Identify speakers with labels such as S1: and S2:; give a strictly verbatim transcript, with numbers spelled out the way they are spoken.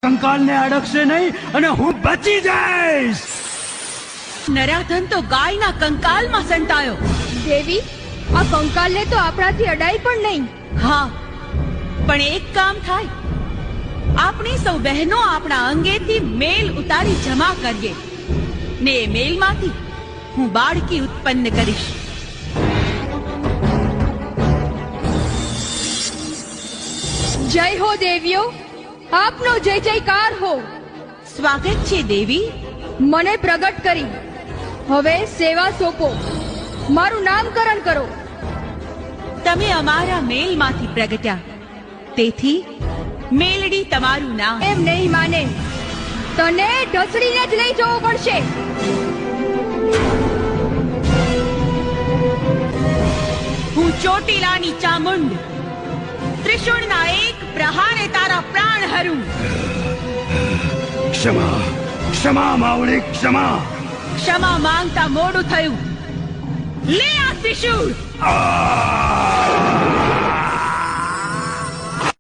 S1: કંકાલને અડકશે નહીં અને હું બચી જઈશ.
S2: નરાધન તો ગાયના કંકાલમાં સંતાયો.
S3: દેવી, આ કંકાલને તો આપણાથી અડાય પણ નહીં.
S2: હા, પણ એક કામ થાય. આપણી સૌ બહેનો આપણા અંગેથી મેલ ઉતારી જમા કરીએ ને એ મેલમાંથી હું બાળકી ઉત્પન્ન કરીશ.
S3: જય હો દેવીઓ, આપનો જય જયકાર હો.
S2: સ્વાગત છે દેવી.
S3: મને પ્રગટ કરી, હવે સેવા સોંપો. મારું નામકરણ કરો.
S2: તમે અમારા મેલમાંથી પ્રગટ્યા, તેથી મેલડી તમારું નામ.
S3: એમ નહીં માને, તને ઢસડીને જ લઈ જવું પડશે.
S2: હું ચોટીલાની ચામુંડ, ત્રિશુળના એક પ્રહારે તારા પ્રાણ હરું.
S1: ક્ષમા ક્ષમા માવળી, ક્ષમા.
S2: ક્ષમા માંગતા મોડું થયું. લે આ ત્રિશુળ.
S1: આ